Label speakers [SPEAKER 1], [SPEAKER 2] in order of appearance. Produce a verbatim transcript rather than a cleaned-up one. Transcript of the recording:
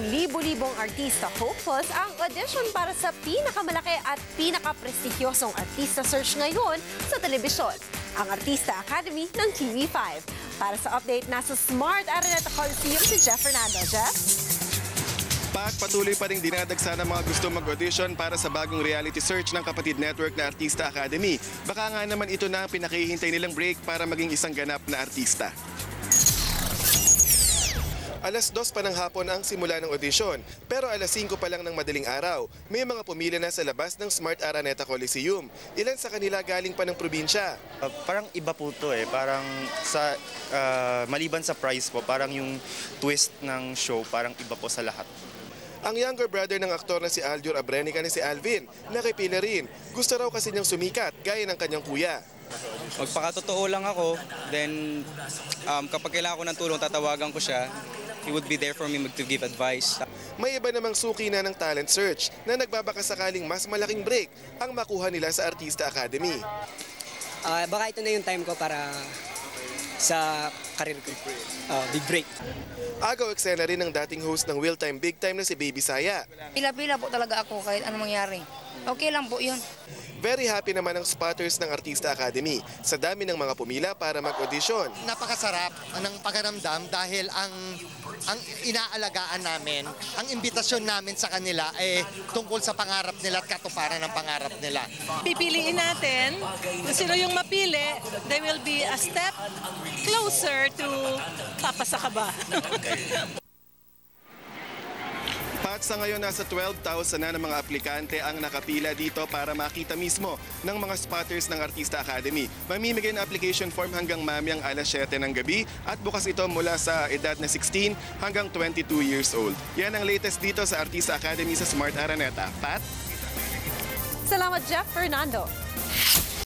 [SPEAKER 1] libo-libong artista hopefuls ang audition para sa pinakamalaki at pinakaprestigyosong artista search ngayon sa telebisyon, ang Artista Academy ng T V five. Para sa update, nasa Smart Araneta Coliseum si Jeff Fernando. Jeff?
[SPEAKER 2] Pat, patuloy pa rin dinadagsa ng mga gusto mag-audition para sa bagong reality search ng kapatid network na Artista Academy. Baka nga naman ito na ang pinakihintay nilang break para maging isang ganap na artista. Alas dos pa ng hapon ang simula ng audition, pero alas singko pa lang ng madaling araw, may mga pumila na sa labas ng Smart Araneta Coliseum. Ilan sa kanila galing pa ng probinsya.
[SPEAKER 3] Uh, parang iba po to eh, parang sa uh, maliban sa prize po, parang yung twist ng show parang iba po sa lahat.
[SPEAKER 2] Ang younger brother ng aktor na si Aljur Abrenica na si Alvin, nakipila rin. Gusto raw kasi niyang sumikat, gaya ng kanyang kuya.
[SPEAKER 4] Magpakatotoo lang ako, then um, kapag kailangan ko ng tulong, tatawagan ko siya. He would be there for me to give advice.
[SPEAKER 2] May iba namang suki na ng talent search na nagbabakasakaling mas malaking break ang makuha nila sa Artista Academy.
[SPEAKER 5] Uh, baka ito na yung time ko para sa career ko. Uh, big break.
[SPEAKER 2] Agaw eksena rin ng dating host ng Will Time Big Time na si Baby Saya.
[SPEAKER 6] Pila-pila po talaga ako kahit anong mangyari. Okay lang po yun.
[SPEAKER 2] Very happy naman ang spotters ng Artista Academy sa dami ng mga pumila para mag-audition.
[SPEAKER 7] Napakasarap ng pagaramdam dahil ang ang inaalagaan namin, ang imbitasyon namin sa kanila ay tungkol sa pangarap nila at katuparan ng pangarap nila.
[SPEAKER 8] Pipiliin natin kung sino yung mapili, they will be a step closer to papasa ka ba?
[SPEAKER 2] Pat, sa ngayon nasa twelve thousand na ng mga aplikante ang nakapila dito para makita mismo ng mga spotters ng Artista Academy. Mamimigay ng application form hanggang mamayang alas siyete ng gabi at bukas ito mula sa edad na sixteen hanggang twenty-two years old. Yan ang latest dito sa Artista Academy sa Smart Araneta. Pat?
[SPEAKER 1] Salamat, Jeff Fernando.